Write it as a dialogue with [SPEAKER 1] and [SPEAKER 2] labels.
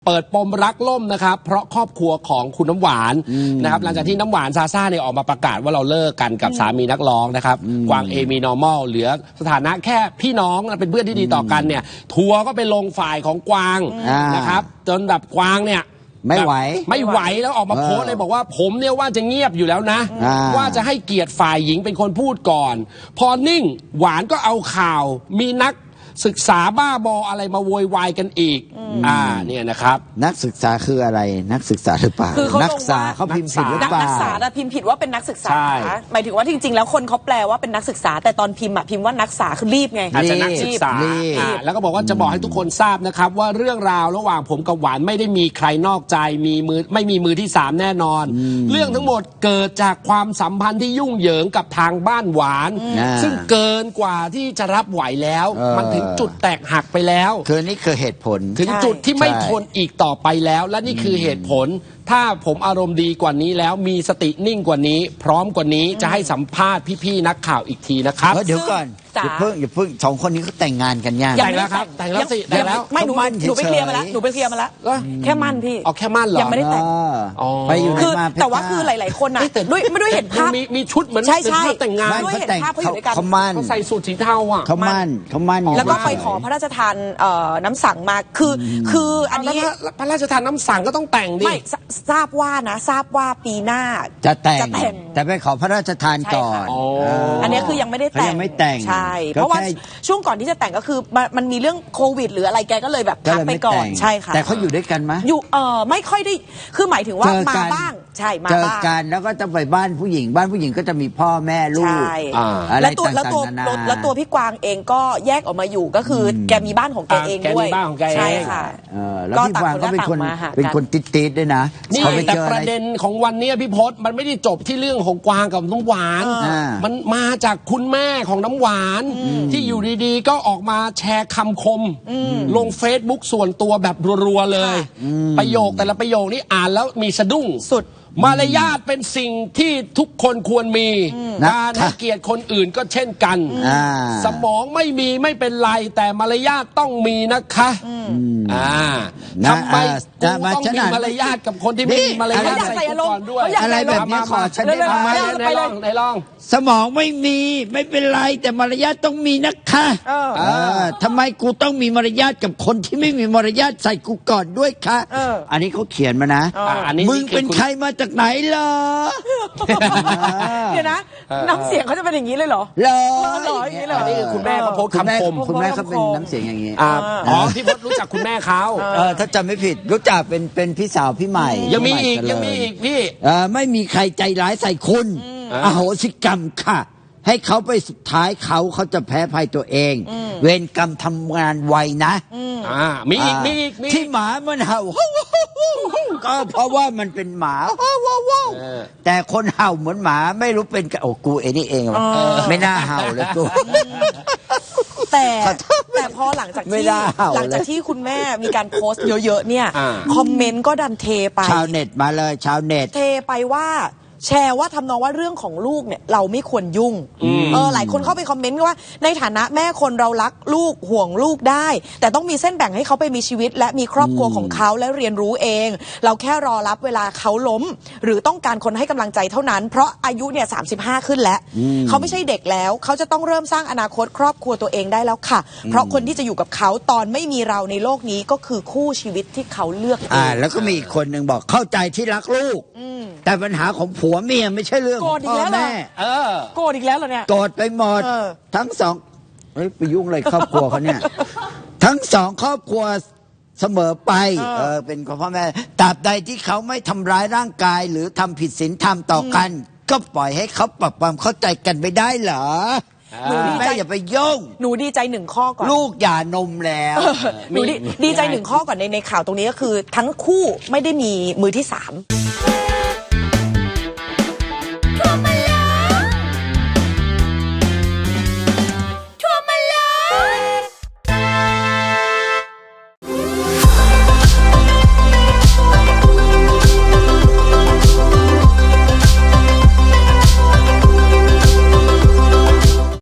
[SPEAKER 1] เปิดปมรักล่มนะครับเพราะครอบครัวของคุณน้ำหวานนะครับหลังจากที่น้ำหวานซาซ่าเนี่ยออกมาประกาศว่าเราเลิกกันกับสามีนักร้องนะครับกวางเอมีนอร์มอลเหลือสถานะแค่พี่น้องเป็นเพื่อนที่ดีต่อกันเนี่ยทัวร์ก็ไปลงฝ่ายของกวางนะครับจนแบบกวางเนี่ย
[SPEAKER 2] ไม่ไหว
[SPEAKER 1] แล้วออกมาโพสต์เลยบอกว่าผมเนี่ยว่าจะเงียบอยู่แล้วนะว่าจะให้เกียรติฝ่ายหญิงเป็นคนพูดก่อนพอนิ่งหวานก็เอาข่าวมีนักศึกษาบ้าบออะไรมาโวยวายกันอีกเนี่ยนะครับ
[SPEAKER 2] นักศึกษาคืออะไรนักศึกษาหรือเปล่านักศึกษาเขาพิมพ์ผิดหรือเปล่า
[SPEAKER 3] นักศึกษาพิมพ์ผิดว่าเป็นนักศึกษาหมายถึงว่าจริงๆแล้วคนเขาแปลว่าเป็นนักศึกษาแต่ตอนพิมพ์พิมพ์ว่านักศึกษาคือรีบไง
[SPEAKER 1] อาจจะนักศึกษาแล้วก็บอกว่าจะบอกให้ทุกคนทราบนะครับว่าเรื่องราวระหว่างผมกับหวานไม่ได้มีใครนอกใจไม่มีมือที่3แน่นอนเรื่องทั้งหมดเกิดจากความสัมพันธ์ที่ยุ่งเหยิงกับทางบ้านหวานซึ่งเกินกว่าที่จะรับไหวแล้วมันถึงจุดแตกหักไปแล้ว
[SPEAKER 2] คือนี่คือเหตุผล
[SPEAKER 1] ถึงจุดที่ไม่ทนอีกต่อไปแล้วและนี่คือเหตุผลถ้าผมอารมณ์ดีกว่านี้แล้วมีสตินิ่งกว่านี้พร้อมกว่านี้จะให้สัมภาษณ์พี่ๆนักข่าวอีกทีนะครับ
[SPEAKER 2] เดี๋ยวก่อนอย่าเพิ่งสองคนนี้เขาแต่งงานกันยัง
[SPEAKER 1] แต่งแล้วครับแต่งแล้วสิแต่งแล้ว
[SPEAKER 3] ไม่หนูไปเคลียร์มาแล้วแค่มั่นพี่
[SPEAKER 1] แค่มั่นเหรอ
[SPEAKER 3] ยังไม่ได้แต่ง
[SPEAKER 2] ไปอยู่
[SPEAKER 3] คือแต่ว่าคือหลายๆคนน่ะด้วยเห็นภาพ
[SPEAKER 1] มีชุดเหมือน
[SPEAKER 3] ใช่
[SPEAKER 1] แต่งงาน
[SPEAKER 3] ด้วยเห็นภาพเขาอยู่ด้วยกัน
[SPEAKER 1] เขาใส่สูทสีเทาอ่ะ
[SPEAKER 2] เขามั่น
[SPEAKER 3] แล้วก็ไปขอพระราชทานน้ำสั่งมาคืออันนี้
[SPEAKER 1] พระราชทานน้ำสั่งก็ต้องแต่งดิ
[SPEAKER 3] ไม่ทราบว่าปีหน้า
[SPEAKER 2] จะแต่งแต่ไปขอพระราชทานก่อน
[SPEAKER 3] อันนี้คือยังไม่ได้แต่งใช่เพราะว่าช่วงก่อนที่จะแต่งก็คือมันมีเรื่องโควิดหรืออะไรแกก็เลยแบบพักไปก่อนใช่ค่ะ
[SPEAKER 2] แต่เขาอยู่ด้วยกันไหม
[SPEAKER 3] อยู่ไม่ค่อยได้คือหมายถึงว่ามาบ้างใช่มาบ้าง
[SPEAKER 2] เจอกันแล้วก็จะไปบ้านผู้หญิงก็จะมีพ่อแม่ลูก
[SPEAKER 3] อะไรต่างๆแล้วตัวพี่กวางเองก็แยกออกมาอยู่ก็คือแกมีบ้านของแกเองด้วยใช่ค่ะ
[SPEAKER 2] แล้วพี่กวางก็เป็นคนติดๆด้วยนะ
[SPEAKER 1] นี่แต่ประเด็นของวันนี้พี่พศมันไม่ได้จบที่เรื่องของกวางกับน้ำหวานมันมาจากคุณแม่ของน้ำหวานที่อยู่ดีๆก็ออกมาแชร์คำคมลง Facebook ส่วนตัวแบบรัวๆเลยประโยคแต่ละประโยคนี้อ่านแล้วมีสะดุ้ง
[SPEAKER 3] สุด
[SPEAKER 1] มารยาทเป็นสิ่งที่ทุกคนควรมีการให้เกียรติคนอื่นก็เช่นกันสมองไม่มีไม่เป็นไรแต่มารยาทต้องมีนะคะทำไมต้องมีมารยาทกับคนที่ไม่มีมารยาทใส่ก่อนด้วย
[SPEAKER 2] อะไรแบบนี้ขอฉันได้ไหม
[SPEAKER 1] ไหนลอง
[SPEAKER 2] สมองไม่มีไม่เป็นไรแต่มารยาทต้องมีนะคะทำไมกูต้องมีมารยาทกับคนที่ไม่มีมารยาทใส่กูก่อนด้วยคะอันนี้เขาเขียนมานะมึงเป็นใครมาจากไหนเหรอ
[SPEAKER 3] เดี๋ยวนะน้ำเสียงเขาจะเป็นอย่างนี้เลยเหรอ
[SPEAKER 1] อย่างนี้เหรอนี่คือคุณแม่เขาโพสต์คำคม
[SPEAKER 2] คุณแม่เขาเป็นน้ำเสียงอย่างนี้
[SPEAKER 1] พี่พศรู้จักคุณแม่เขา
[SPEAKER 2] ถ้าจำไม่ผิดรู้จักเป็นพี่สาวพี่ใหม่
[SPEAKER 1] ยังมีอีกพี่
[SPEAKER 2] ไม่มีใครใจร้ายใส่คุณอโหสิกรรมค่ะให้เขาไปสุดท้ายเขาจะแพ้ภัยตัวเองเวรกรรมทำงานไวนะ
[SPEAKER 1] มีอีก
[SPEAKER 2] ที่หมามันเห่าก็เพราะว่ามันเป็นหมาแต่คนเห่าเหมือนหมาไม่รู้เป็นโอ้กูเองนี่เองไม่น่าเห่าเลยกู
[SPEAKER 3] แต่พอหลังจากที่คุณแม่มีการโพสต์เยอะๆเนี่ยคอมเมนต์ก็ดันเทไป
[SPEAKER 2] ชาวเน็ตมาเลยชาวเน็ต
[SPEAKER 3] เทไปว่าแชร์ว่าทำนองว่าเรื่องของลูกเนี่ยเราไม่ควรยุ่งหลายคนเข้าไปคอมเมนต์ว่าในฐานะแม่คนเรารักลูกห่วงลูกได้แต่ต้องมีเส้นแบ่งให้เขาไปมีชีวิตและมีครอบครัวของเขาและเรียนรู้เองเราแค่รอรับเวลาเขาล้มหรือต้องการคนให้กำลังใจเท่านั้นเพราะอายุเนี่ย35ขึ้นแล้วเขาไม่ใช่เด็กแล้วเขาจะต้องเริ่มสร้างอนาคตครอบครัวตัวเองได้แล้วค่ะเพราะคนที่จะอยู่กับเขาตอนไม่มีเราในโลกนี้ก็คือคู่ชีวิตที่เขาเลือกเอง
[SPEAKER 2] แล้วก็มีอีกคนหนึ่งบอกเข้าใจที่รักลูกแต่ปัญหาของผัวเมียไม่ใช่เรื่องพ่อแม่
[SPEAKER 3] โกรธอีกแล้วเหรอเนี่ย
[SPEAKER 2] โกรธไปหมดทั้งสองไปยุ่งอะไรครอบครัวเขาเนี่ยทั้งสองครอบครัวเสมอไปเป็นของพ่อแม่ตราบใดที่เขาไม่ทำร้ายร่างกายหรือทำผิดศีลธรรมต่อกันก็ปล่อยให้เขาปรับความเข้าใจกันไปได้เหรอแม่อย่าไปยุ่ง
[SPEAKER 3] หนูดีใจ1ข้อก่อน
[SPEAKER 2] ลูกหย่านมแล้ว
[SPEAKER 3] หนูดีใจ1ข้อก่อนในข่าวตรงนี้ก็คือทั้งคู่ไม่ได้มีมือที่3